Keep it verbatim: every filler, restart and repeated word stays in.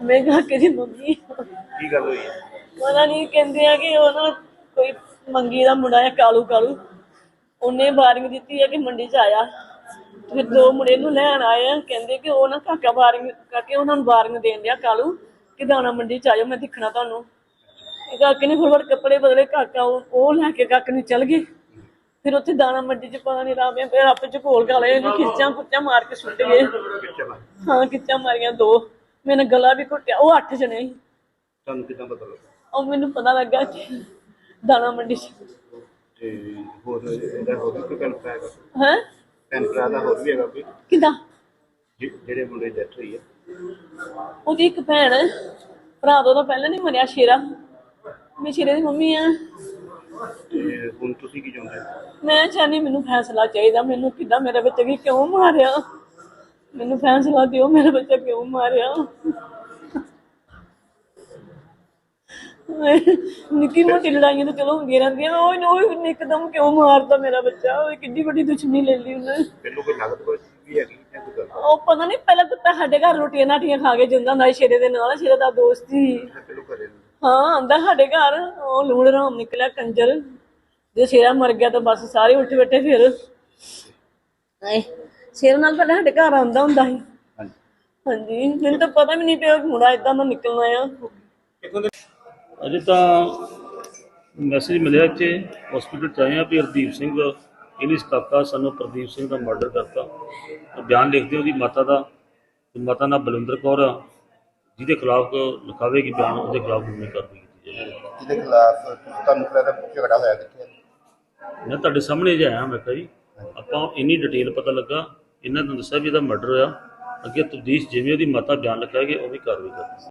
मैं काके दी मम्मी की गल हुई है? पता नहीं कहते हैं कि वो ना कोई मंगी का मुंडा है कालू कालू उन्हें वारिंग दी है कि मंडी च आया फिर दो मुंडे नूं लैण आए हैं कहते कि वो ना काका वारिंग काके उन्होंने वारिंग देन दिया कालू कि दाना मंडी च आयो मैं दिखना तुहानूं। काके ने फटाफट कपड़े बदले काका वो लैके काके नूं चल गए। फिर उत्थे दाना मंडी च पता नहीं राम फिर आपे च घोल घाले खिच्चां खुच्चां मार के सुट गए। हाँ खिच्चां मारियां दो मेरा गला भी घुटिया वो अठ जने ही। ਤੁਹਾਨੂੰ ਕਿਦਾਂ ਪਤਾ ਲੱਗਾ? और मैनू पता लगा कि दाना मंडी च ਤੇ ਹੋਰ ਇਹਦਾ ਹੋਰ ਵੀ ਕੋਈ ਭੈਣ ਭਰਾ ਹੈਗਾ? हैं ਭੈਣ ਭਰਾ ਦਾ ਹੋਰ ਵੀ ਹੈਗਾ ਕੋਈ किदा ਜਿ- ਜਿਹੜੇ ਮੁੰਡੇ ਦੀ ਡੈਥ ਹੋਈ ਹੈ? ਉਹਦੀ ਇੱਕ ਭੈਣ ਹੈ ਭਰਾ ਤੋਂ ਤਾਂ ਪਹਿਲਾਂ ਨਹੀਂ ਮਰਿਆ ਸ਼ੇਰਾ ਮੈਂ ਸ਼ੇਰੇ ਦੀ ਮੰਮੀ ਆ। ਤੇ ਹੁਣ ਤੁਸੀਂ ਕੀ ਚਾਹੁੰਦੇ ਹੋ? ਮੈਂ ਚਾਹਨੀ ਮੈਨੂੰ ਫੈਸਲਾ ਚਾਹੀਦਾ ਮੈਨੂੰ ਕਿੱਦਾਂ ਮੇਰੇ ਬੱਚੇ ਨੂੰ ਕਿਉਂ ਮਾਰਿਆ ਮੈਨੂੰ ਫੈਸਲਾ ਦਿਓ ਮੇਰਾ ਬੱਚਾ ਕਿਉਂ ਮਾਰਿਆ। ਨਿੱਕੀ ਮੋਟੀ ਲੜਾਈਆਂ ਤਾਂ ਚਲੋ ਹੁੰਦੀਆਂ ਰਹਿੰਦੀਆਂ ਉਹ ਉਹ ਇੱਕਦਮ ਕਿਉਂ ਮਾਰਦਾ ਮੇਰਾ ਬੱਚਾ ਉਹ ਕਿੰਨੀ ਵੱਡੀ ਦੁਸ਼ਮਣੀ ਲੈ ਲਈ ਉਹਨੇ। ਤੈਨੂੰ ਕੋਈ ਨਗਦ ਕੋਈ ਵੀ ਹੈਗੀ ਜਾਂ ਕੋਈ ਗੱਲ? ਉਹ ਪਤਾ ਨਹੀਂ ਪਹਿਲਾਂ ਕੁੱਤਾ ਸਾਡੇ ਘਰ ਰੋਟੀਆਂ ਨਾਟੀਆਂ ਖਾ ਕੇ ਜਾਂਦਾ ਹੁੰਦਾ ਸੀ ਸ਼ੇਰੇ ਦੇ ਨਾਲ ਸ਼ੇਰੇ ਦਾ ਦੋਸਤ ਸੀ। ਪਹਿਲੋਂ ਘਰੇ ਨੂੰ ਹਾਂ ਆਂਦਾ ਸਾਡੇ ਘਰ ਉਹ ਲੂਣ ਰਾਮ ਨਿਕਲਿਆ ਕੰਜਰ ਜੇ ਸ਼ੇਰਾ ਮਰ ਗਿਆ ਤਾਂ ਬਸ ਸਾਰੇ ਉੱਠ ਬੈਠੇ ਫਿਰ ਆਏ ਸ਼ੇਰ ਨਾਲ ਪਹਿਲਾਂ ਸਾਡੇ ਘਰ ਆਉਂਦਾ ਹੁੰਦਾ ਸੀ। ਹਾਂਜੀ ਹਾਂਜੀ ਮੈਨੂੰ ਤਾਂ ਪਤਾ ਵੀ ਨਹੀਂ ਪਿਆ ਮੁੰਡਾ ਏਦਾਂ ਦਾ ਨਿਕਲਣਾ ਆ। अजे तो मैसेज मिले कि हॉस्पिटल च आए हैं भी हरदीप सिंह इलिस काका सानू प्रदीप सिंह का मर्डर करता तो बयान लिखते उसकी माता का माता ना बलविंदर कौर आ जिसके खिलाफ लिखावेगी बयान उसके खिलाफ कानूनी कार्रवाई की जाएगी। ਜਿਹਦੇ ਖਿਲਾਫ ਤੁਹਾਨੂੰ ਕਿਹੜਾ ਝਗੜਾ ਹੋਇਆ ਕਿੱਥੇ? मैं तुहाडे सामने ज आया मैं कहा जी आपां इन्नी डिटेल पता लगा इन्होंने दस्सिया भी इहदा मर्डर होया अगे तफ्तीश जिवें उसकी माता बयान लिखाएगी उहदी कार्रवाई करेंगे।